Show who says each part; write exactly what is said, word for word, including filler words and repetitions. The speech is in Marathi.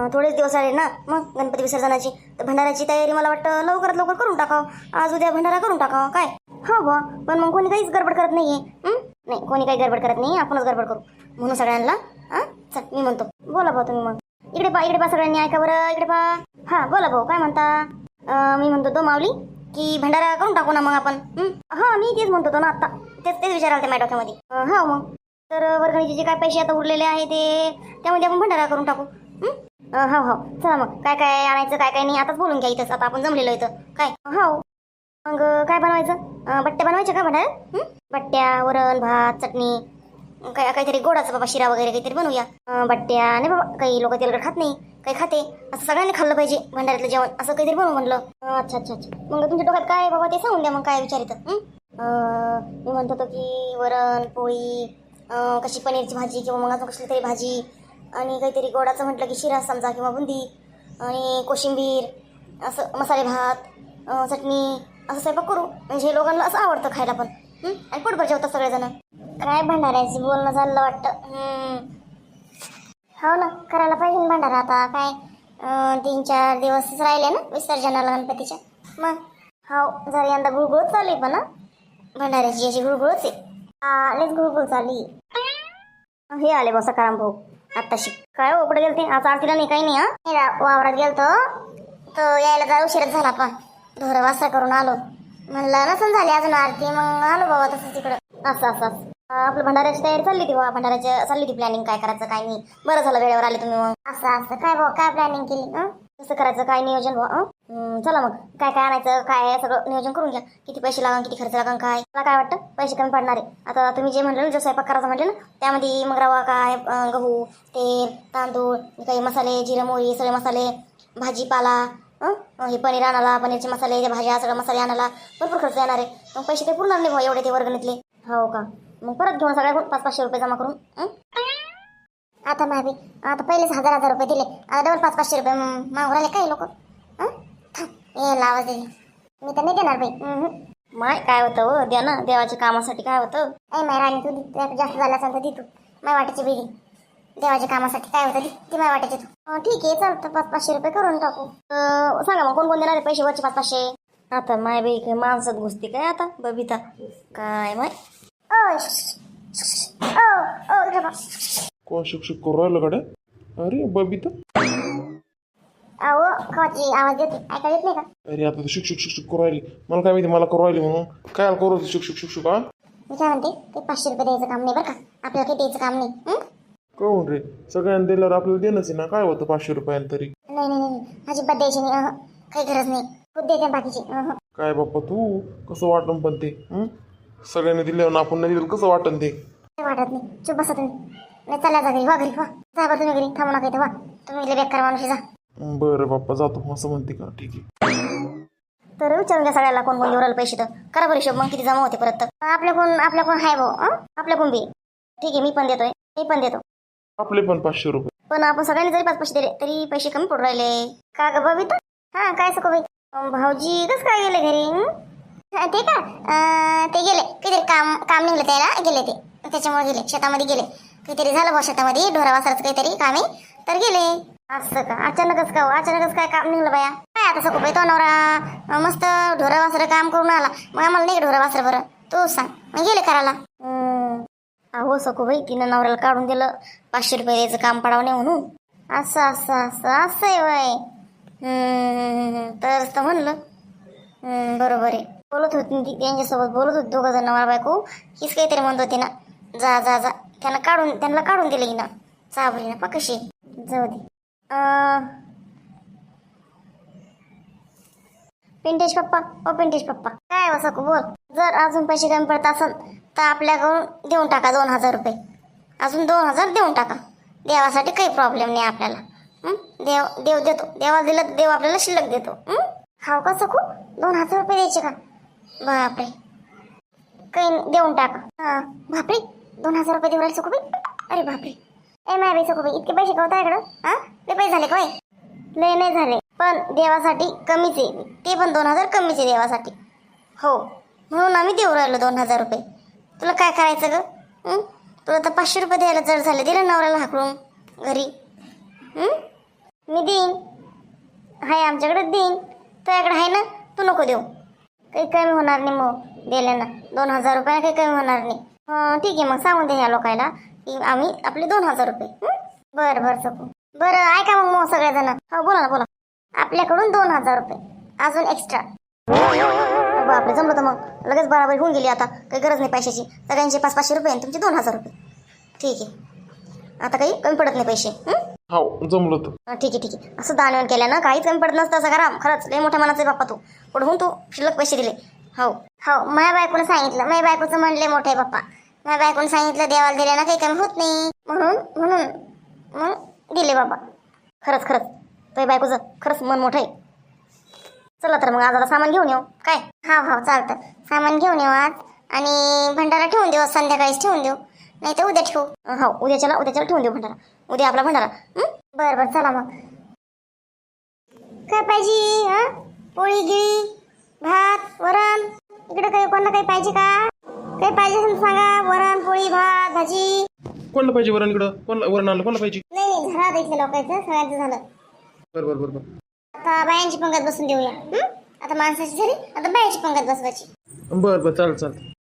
Speaker 1: थोडेच दिवस आले ना मग गणपती विसर्जनाची, तर भंडाऱ्याची तयारी मला वाटतं लवकरात लवकर करून टाकावं. आज उद्या भंडारा करून टाकावं काय. हो बा, पण मग कोणी काहीच गडबड करत नाहीये. नाही, कोणी काही गडबड करत नाही, आपणच गडबड करू म्हणून सगळ्यांना. हां चल, मी म्हणतो. बोला भाऊ तुम्ही मग. इकडे पा इकडे पा सगळ्यांनी ऐका बरं, इकडे पा. हां बोला भाऊ, काय म्हणता. अं, मी म्हणतो तो माऊली की भंडारा करून टाकू ना मग आपण. हां मी तेच म्हणतो तो ना आत्ता, तेच तेच विचाराल ते माझ्या डोक्यामध्ये. हा मग तर वर्गणीचे जे काय पैसे आता उरलेले आहे ते त्यामध्ये आपण भंडारा करून टाकू. हो हो चला मग, काय काय आणायचं काय काय नाही आताच बोलून घ्या इथंच, आता आपण जमलेलो इथं काय. हो मग काय बनवायचं. अं, बट्ट्या बनवायच्या का भंडाऱ्यात. बट्ट्या, वरण भात, चटणी, काय काहीतरी गोडाचं बाबा, शिरा वगैरे काहीतरी बनवूया. अं, बट्ट्या नाही बाबा, काही लोक तेलकट खात नाही, काही खाते, असं सगळ्यांनी खाल्लं पाहिजे भंडाऱ्यातलं जेवण, असं काहीतरी बनवू म्हणलं. अच्छा अच्छा अच्छा, मग तुमच्या डोक्यात काय बाबा ते सांगून द्या मग, काय विचारितं. मी म्हणत होतो की वरण पोळी, अं, कशी पनीरची भाजी किंवा मग अजून कसली तरी भाजी, आणि काहीतरी गोडाचं म्हटलं की शिरा समजा किंवा बुंदी, आणि कोशिंबीर, असं मसाले भात, अं, चटणी, असं स्वयंपाक करू. म्हणजे हे लोकांना असं आवडतं खायला पण. आणि पोटभर जेवतात सगळेजण. काय भंडाऱ्याची बोलणं झालं वाटतं. हो ना, करायला पाहिजे ना भंडारा. आता काय अं, तीन चार दिवसच राहिले ना विसर्जनाला गणपतीच्या. मग हो जरा यंदा गुळगुळ चालली, पण ना भंडाऱ्याची याची गुळगुळच आहे. आलेच गुळगुळ चालली. हे आले बा सकाराम भाऊ आत्ताशी. काय हो कुठे गेलते आज आरतीला. नाही काही नाही. हा वावरात गेलतो तर यायला जरा उशीरच झाला, पण ढोरं वासरा करून आलो. म्हणलं नसन झाली अजून आरती, मग आलो बाबा तसं तिकडं. असं असं असं आपलं भंडाऱ्याची तयारी चालली ती बाबा, भंडाऱ्याची चालली ती प्लॅनिंग, काय करायचं काय नाही. बरं झालं वेळेवर आले तुम्ही. मग असं असं काय बाबा, काय प्लॅनिंग केली. कसं करायचं काय नियोजन बाबा. चला मग, काय काय आणायचं काय सगळं नियोजन करून घ्या. किती पैसे लागन, किती खर्च लागन, काय मला काय वाटतं पैसे कमी पडणार आहे. आता तुम्ही जे म्हणलं ना, जो स्वयंपाक करायचं म्हटलं ना, त्यामध्ये मग रवा काय, अं, गहू, तेल, तांदूळ, काही मसाले, जिरे मोहरी, सगळे मसाले, भाजीपाला, हे पनीर आणाला, पनीरचे मसाले, भाज्या, सगळं मसाले आणाला भरपूर खर्च येणार आहे. मग पैसे ते पुरणार नाही भाऊ एवढे ते वर्गणीतले. हो का, मग परत घेऊन सगळ्या पाच पाचशे रुपये जमा करून. आता मावी आता पहिलेच हजार हजार रुपये दिले, आता डबल पाच पाचशे रुपये मागू राहिले काही लोक. यायला आवाज दिले मी तर नाही देणार बाई. माय काय होतं हो, द्या ना, देवाच्या कामासाठी काय होतं. ऐ माय राणी तू दे, जास्त झाला असेल तर दे तू. माय वाटायची बेगी देवाच्या कामासाठी काय होतं, ती माय वाटायची तू. ठीक आहे चालतं, पाच पाचशे रुपये करून टाकू. सांगा मग कोण कोण देणार आहे पैसे वरचे पाच पाचशे. आता माय बाई काय माणसात घुसते काय आता बबिता काय माय.
Speaker 2: कोण शिक्षक करू राहिलं कडे. अरे बबिता,
Speaker 1: अहो खाची आवाज देते, ऐकायला येत नाही का.
Speaker 2: अरे आता तू शिक्षक शिक्षक करू राहिली, मला काय माहिती मला करू राहिली म्हणून. काय करू शिक्षक शिक्षक. हा
Speaker 1: मी काय म्हणते, ते पाचशे रुपये द्यायचं काम नाही बरं का, आपल्याला काही द्यायचं काम नाही.
Speaker 2: कहून रे, सगळ्यांना दिल्यावर आपल्याला देणंच आहे ना, काय होतं पाचशे रुपयानं तरी.
Speaker 1: नाही नाही नाही अजिबात द्यायची नाही. अहं, काही गरज नाही, खूप देते बाकीची. अहं.
Speaker 2: काय बाप्पा तू कसं वाटन पण ते. सगळ्यांनी दिल्यावर आपण नाही दिलं कसं वाटन ते.
Speaker 1: काही वाटत नाही, चुप बसा तुम्ही. नाही चालल्या जा घरी, वा घरी वा, जा बा तुम्ही घरी, थांबू नका इथं, वा तुम्ही लय बेकार माणूस जा.
Speaker 2: बरं बाप्पा जातो असं म्हणते का, ठीक आहे.
Speaker 1: तर विचारून घ्या सगळ्याला कोण कोण देऊ पैसे, तर करा बरं हिशोब मग किती जमा होते परत. आपल्या कोण आपल्या कोण आहे भाऊ, आपल्या कोण बी ठीक आहे. मी पण देतोय, मी पण देतो.
Speaker 2: आपले पण पाचशे रुपये.
Speaker 1: पण आपण सगळ्यांनी जरी पाच पैसे दिले तरी पैसे कमी पडू राहिले का ग बबिता. हा काय सको बाई. भाऊजी कसं काय गेले घरी. ते का ते गेले काहीतरी काम काम निघलं त्याला, गेले ते त्याच्यामुळे गेले शेतामध्ये गेले. काहीतरी झालं बा शेतामध्ये, ढोरा वासराचं काहीतरी काम आहे तर गेले. असं का, अचानकच का, अचानकच काय काम निघलं बाया. काय आता सको बाई, तो नवरा मस्त ढोरा वासरं काम करून आला, मग आम्हाला नाही ढोरा वासरं बरं तू सांग, मग गेले करायला. अहो सको बाई, तिनं नवऱ्याला काढून दिलं पाचशे रुपये द्यायचं काम पडावणे म्हणून. असं असं असं असं आहे वय. तर तर म्हणलं बरोबर आहे. बोलत होती ती त्यांच्यासोबत, बोलत होती दोघं जण नवरा बायको. हीच काहीतरी म्हणत होती ना, जा जा जा, त्यांना काढून त्यांना काढून दिलं ना, चाबरी ना पा कशी जाऊ दे. पिंटेश पप्पा, ओ पिंटेश पप्पा, काय वसं को बोल. जर अजून पैसे कमी पडत असेल तर आपल्याकडून देऊन टाका दोन हजार रुपये, अजून दोन हजार देऊन टाका. देवासाठी काही प्रॉब्लेम नाही आपल्याला. देव देव देतो, देवाला दिलं तर देव आपल्याला शिल्लक देतो. हाव का सकू, दोन हजार रुपये द्यायचे का. बापरे, काही देऊन टाका. हा बापरे, दोन हजार रुपये देऊ राहिले सकू बाई. अरे बापरे, ए माय बाई सकू बाई, इतके पैसे कवता इकडं. हा लय पैसे झाले काय. लय नाही झाले, पण देवासाठी कमीच आहे, ते पण दोन हजार कमीच आहे देवासाठी. हो म्हणून आम्ही देऊ राहिलो दोन हजार रुपये. तुला काय करायचं ग. तुला तर पाचशे रुपये द्यायला जड झाले, दिलं नवऱ्याला हाकलून घरी. मी देईन. हाय आमच्याकडे देईन. तुझ्याकडे आहे ना, तू नको देऊ. काही कमी होणार नाही मग दिल्यानं. दोन हजार रुपये काही कमी होणार नाही. हं ठीक आहे, मग सांगून दे ह्या लोकायला की आम्ही आपले दोन हजार रुपये. हं? बरं बरं सकू. बरं ऐका मग मग सगळेजण. हो बोला ना बोला. आपल्याकडून दोन हजार रुपये अजून एक्स्ट्रा. बापरे, जमलं तर मग लगेच बराबरी होऊन गेली. आता काही गरज नाही पैशाची. सगळ्यांचे पाच पाचशे रुपये आणि तुमचे दोन हजार रुपये. ठीक आहे, आता काही कमी पडत नाही पैसे. हं?
Speaker 2: हो जमलं तर.
Speaker 1: हा, ठीक आहे ठीक आहे. असं दानवेन केलं ना काहीच कमी पडत नसतं सगळं. खरंच लय मोठ्या मनाचा आहे बाप्पा तू. पुढहून तू शिल्लक पैसे दिले. हो हो, माझ्या बायकोनं सांगितलं. माझ्या बायकोचं म्हणले मोठे बाप्पा. माझ्या बायकोनं सांगितलं देवाला दिले ना काही कमी होत नाही, म्हणून म्हणून मग दिले बाबा. खरंच खरंच तुझ्या बायकोचं खरंच मन मोठं आहे. चला तर मग आज आता सामान घेऊन येऊ काय. हा हा चालतं, सामान घेऊन येऊ आज. आणि भंडारा ठेवून देऊ, संध्याकाळीच ठेवून देऊ, नाही तर उद्या ठेवू. हो उद्याच्याला उद्याच्याला ठेवून देऊ भंडारा. उद्या आपला भंडारा. बरं बरं चला मग. काय पाहिजे? हा, पोळी गिळी भात वरण. इकडे काही कोणाला काही पाहिजे का? काही पाहिजे असेल तर सांगा. वरण पोळी भात भाजी.
Speaker 2: कोणाला पाहिजे वरण इकडं? कोणाला वरण आणलं? कोणाला पाहिजे?
Speaker 1: नाही नाही, झालं आता इथल्या लोकांचं सगळ्यांचं झालं.
Speaker 2: बरं बरं बरं बरं.
Speaker 1: आता बायांची पंगत बसून देऊया. हं? आता माणसाची झाली, आता बायांची पंगत बसवायची.
Speaker 2: बरं बरं चालेल चालेल.